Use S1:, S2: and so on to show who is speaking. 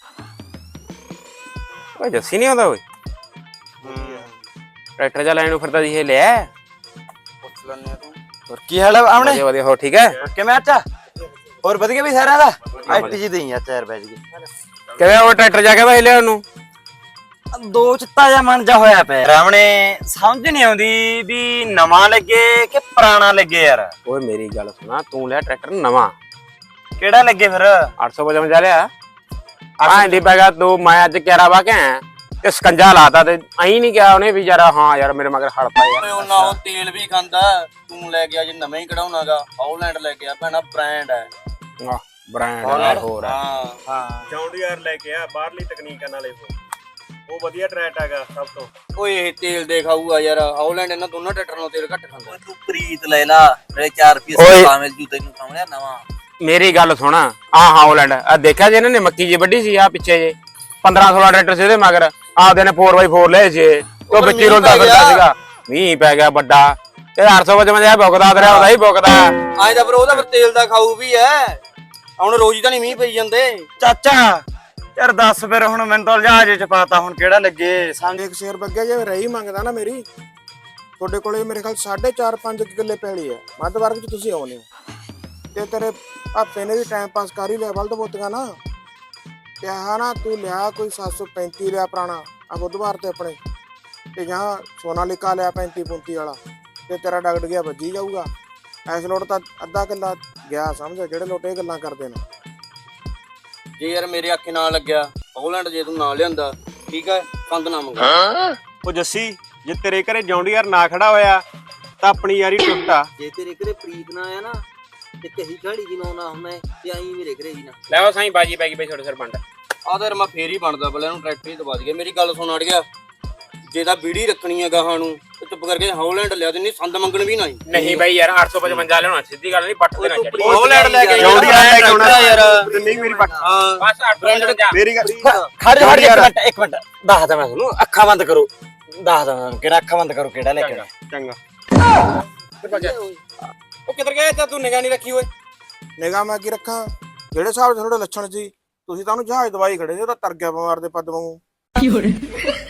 S1: ਓਏ ਜੱਸੀ ਨਹੀਂ ਆਉਂਦਾ ਓਏ ਟਰੈਕਟਰ ਜਾ ਲੈਣ ਨੂੰ ਫਿਰਦਾ ਸੀ ਇਹ ਲਿਆ
S2: ਪੁੱਛ ਲੈਣੇ ਆ ਤੂੰ।
S3: ਹੋਰ ਕੀ ਹਾਲ ਹੈ ਆਮਣੇ?
S1: ਵਧੀਆ ਵਧੀਆ ਹੋ ਠੀਕ ਹੈ
S3: ਕਿਵੇਂ ਅੱਛਾ ਹੋਰ ਵਧੀਆ ਵੀ ਸਾਰਿਆਂ ਦਾ ਐਟੀ ਜੀ ਦੇਈ ਆ ਚਾਰ ਬੈਜ ਗਏ
S1: ਕਿਵੇਂ ਉਹ ਟਰੈਕਟਰ ਜਾ ਕੇ ਭਾਈ ਲਿਆ ਉਹਨੂੰ
S3: ਦੋ ਚਿੱਤਾ ਜਿਹਾ ਮਨ ਜਾ ਹੋਇਆ ਪਿਆ ਰਾਵਣੇ ਸਮਝ ਨਹੀਂ ਆਉਂਦੀ ਵੀ ਨਵਾਂ ਲੱਗੇ ਕਿ ਪੁਰਾਣਾ ਲੱਗੇ ਯਾਰ।
S1: ਓਏ ਮੇਰੀ ਗੱਲ ਸੁਣਾ ਤੂੰ ਲਿਆ ਟਰੈਕਟਰ ਨਵਾਂ
S3: ਕਿਹੜਾ ਲੱਗੇ ਫਿਰ
S1: 855 ਲਿਆ ਆਹ ਦੀ ਪੈਗਾ ਤੂੰ ਮੈਂ ਅੱਜ ਕਿਹੜਾ ਵਾ ਕੇ ਆਇਆ ਤੇ ਸਕੰਜਾ ਲਾਤਾ ਤੇ ਅਹੀਂ ਨਹੀਂ ਕਿਹਾ ਉਹਨੇ ਵੀ ਯਾਰ ਹਾਂ ਯਾਰ ਮੇਰੇ ਮਗਰ ਹੜ ਪਾ ਯਾਰ
S2: ਉਹਨਾਂ ਉਹ ਤੇਲ ਵੀ ਖਾਂਦਾ ਤੂੰ ਲੈ ਗਿਆ ਜੇ ਨਵੇਂ ਹੀ ਕਢਾਉਣਾਗਾ ਹੌਲੈਂਡ ਲੈ ਗਿਆ ਭੈਣਾ ਬ੍ਰਾਂਡ ਹੈ
S1: ਆਹ ਬ੍ਰਾਂਡ ਹੋਰ
S2: ਹਾਂ
S3: ਹਾਂ
S4: ਜੌਂਡੀਆਰ ਲੈ ਕੇ ਆ ਬਾਹਰਲੀ ਤਕਨੀਕਾਂ ਨਾਲੇ ਉਹ ਵਧੀਆ ਟਰੈਕਟ ਹੈਗਾ ਸਭ ਤੋਂ।
S2: ਓਏ ਇਹ ਤੇਲ ਦੇ ਖਾਊਗਾ ਯਾਰ ਹੌਲੈਂਡ ਇਹਨਾਂ ਦੋਨਾਂ ਟਰੈਕਟਰਾਂ ਨੂੰ ਤੇਲ ਘੱਟ ਖਾਂਦਾ।
S3: ਤੂੰ ਪ੍ਰੀਤ ਲੈ ਲਾ ਮੇਰੇ 4 ਰੁਪਏ
S1: ਓਏ।
S3: ਸਸਤਾ ਮਿਲ ਜੂ ਤੈਨੂੰ ਸਾਹਮਣੇ ਨਵਾਂ।
S1: ਮੇਰੀ ਗੱਲ ਸੁਣ ਆਹ ਹੌਲੈਂਡ ਆ ਦੇਖਿਆ ਜੇ ਇਹਨਾਂ ਨੇ ਮੱਕੀ ਜੀ ਵੱਢੀ ਸੀ ਆ ਪਿੱਛੇ ਜੇ 15-16 ਟਰੈਕਟਰ ਸੀ ਇਹਦੇ ਮਗਰ ਆਪਦੇ ਨੇ 4x4 ਲਏ ਸੀ ਉਹ ਵਿੱਚੀ ਰੋਲਦਾ ਫਿਰਦਾ ਸੀਗਾ ਮੀਂਹ ਪੈ ਗਿਆ ਵੱਡਾ ਤੇ 855 ਇਹ ਭੁਗਦਾ ਦਰਿਆ ਉਹਦਾ ਹੀ ਭੁਗਦਾ
S2: ਆਏ ਤਾਂ ਫਿਰ ਉਹਦਾ ਫਿਰ ਤੇਲ ਦਾ ਖਾਊ ਵੀ ਐ ਹੁਣ ਰੋਜ਼ ਤਾਂ ਨਹੀਂ ਮੀਂਹ ਪਈ ਜਾਂਦੇ।
S3: ਚਾਚਾ ਯਾਰ ਦੱਸ ਫਿਰ ਹੁਣ ਮੈਨੂੰ ਤਾਂ ਜਹਾਜ਼ ਚ ਪਾਤਾ ਹੁਣ ਕਿਹੜਾ ਲੱਗੇ ਸਮਝ।
S5: ਇੱਕ ਸ਼ੇਰ ਬੱਗਿਆ ਜੇ ਰਹੀ ਮੰਗਦਾ ਨਾ ਮੇਰੀ ਤੁਹਾਡੇ ਕੋਲੇ ਮੇਰੇ ਖਿਆਲ 4.5 ਕਿੱਲੇ ਪੈਲੀ ਹੈ ਮੱਧ ਵਰਗ ਚ ਤੁਸੀਂ ਆਉਨੇ ਹੋ ਤੇ ਤੇਰੇ ਭਾਪੇ ਨੇ ਵੀ ਟਾਈਮ ਪਾਸ ਕਰ ਹੀ ਲਿਆ ਬਲਦ ਬੋਤੀਆਂ ਨਾ ਤੇ ਆਹ ਨਾ ਤੂੰ ਲਿਆ ਕੋਈ 735 ਲਿਆ ਪੁਰਾਣਾ ਆ ਬੁੱਧਵਾਰ ਤੇ ਆਪਣੇ ਤੇ ਜਾਂ ਸੋਨਾਲੀਕਾ ਲਿਆ 35 ਵਾਲਾ ਤੇ ਤੇਰਾ ਡਗੜ ਗਿਆ ਵੱਜੀ ਜਾਊਗਾ ਐਸ ਲੋਟ ਤਾਂ ਅੱਧਾ ਕਿੱਲਾ ਗਿਆ ਸਮਝ ਜਿਹੜੇ ਲੋਟ ਇਹ ਗੱਲਾਂ ਕਰਦੇ ਨੇ।
S2: ਜੇ ਯਾਰ ਮੇਰੇ ਅੱਖੇ ਨਾਲ ਲੱਗਿਆ ਹੌਲੈਂਡ ਜੇ ਤੂੰ ਨਾ ਲਿਆਂਦਾ ਠੀਕ ਹੈ ਕੰਦ ਨਾ ਮੰਗਾ।
S4: ਉਹ ਜੱਸੀ ਜੇ ਤੇਰੇ ਘਰੇ ਜੌਂਡੀਆਰ ਨਾ ਖੜਾ ਹੋਇਆ ਤਾਂ ਆਪਣੀ ਯਾਰੀ ਟੁੱਟਾ।
S6: ਜੇ ਤੇਰੇ ਘਰੇ ਪ੍ਰੀਤ ਨਾ ਆਇਆ ਨਾ ਤੇ ਕਹੀ ਘਾੜੀ ਜੀ ਨਾ ਹੁੰਦਾ ਤੇ ਆਈ ਮੇਰੇ ਘਰੇ ਵੀ ਨਾ
S1: ਲੈ ਉਹ ਸਾਈਂ ਬਾਜੀ ਪੈ ਗਈ ਬਈ ਛੋਟੇ ਸਰ ਪੰਡ
S2: ਆ ਤਾਂ ਮੈਂ ਫੇਰ ਹੀ ਬਣਦਾ ਪਹਿਲਾਂ ਇਹਨੂੰ ਟਰੈਕਟਰ ਹੀ ਦਬਾ ਦਈਏ। ਮੇਰੀ ਗੱਲ ਸੁਣ ਅੜ ਗਿਆ ਜੇ ਤਾਂ ਬੀੜੀ ਰੱਖਣੀ ਹੈ ਗਾਹਾਂ ਨੂੰ ਤੇ ਚੁੱਪ ਕਰਕੇ ਹੌਲੈਂਡ ਲਿਆ ਦਿੰਨੀ ਸੰਦ ਮੰਗਣ ਵੀ ਨਾ
S1: ਨਹੀਂ ਬਈ ਯਾਰ 855 ਲਿਆਉਣਾ ਸਿੱਧੀ ਗੱਲ ਨਹੀਂ ਪੱਟ ਦੇਣਾ ਚਾਹੀਦਾ
S2: ਹੌਲੈਂਡ ਲੈ ਕੇ
S4: ਜੌਂਡੀਆਰ ਲੈ ਕੇ ਆਉਣਾ
S2: ਯਾਰ
S4: ਤੇ ਨਹੀਂ ਮੇਰੀ ਪੱਟ
S2: ਹਾਂ
S1: ਬਸ 855
S4: ਮੇਰੀ ਗੱਲ
S3: ਖੜ ਜਾ ਇੱਕ ਮਿੰਟ ਦੱਸਦਾ ਮੈਂ ਤੁਹਾਨੂੰ ਅੱਖਾਂ ਬੰਦ ਕਰੋ ਦੱਸਦਾ ਮੈਂ ਕਿਹੜਾ ਅੱਖਾਂ ਬੰਦ ਕਰੋ ਕਿਹੜਾ ਲੈ ਕੇ ਆਉਣਾ।
S4: ਚੰਗਾ
S1: ਉਹ ਕਿੱਧਰ ਗਿਆ ਤਾਂ ਤੂੰ ਨਿਗਾਹ ਨਹੀਂ ਰੱਖੀ ਓਏ
S5: ਨਿਗਾਹ ਮੈਂ ਕੀ ਰੱਖਾਂ ਜਿਹੜੇ ਹਿਸਾਬ ਦੇ ਤੁਹਾਡੇ ਲੱਛਣ ਸੀ ਤੁਸੀਂ ਤਾਂ ਉਹਨੂੰ ਜਹਾਜ਼ ਦਵਾਈ ਖੜੇ ਸੀ ਉਹ ਤਾਂ ਤਰ ਗਿਆ ਬਿਮਾਰ ਦੇ ਪੱਦ ਵਾਂਗੂ।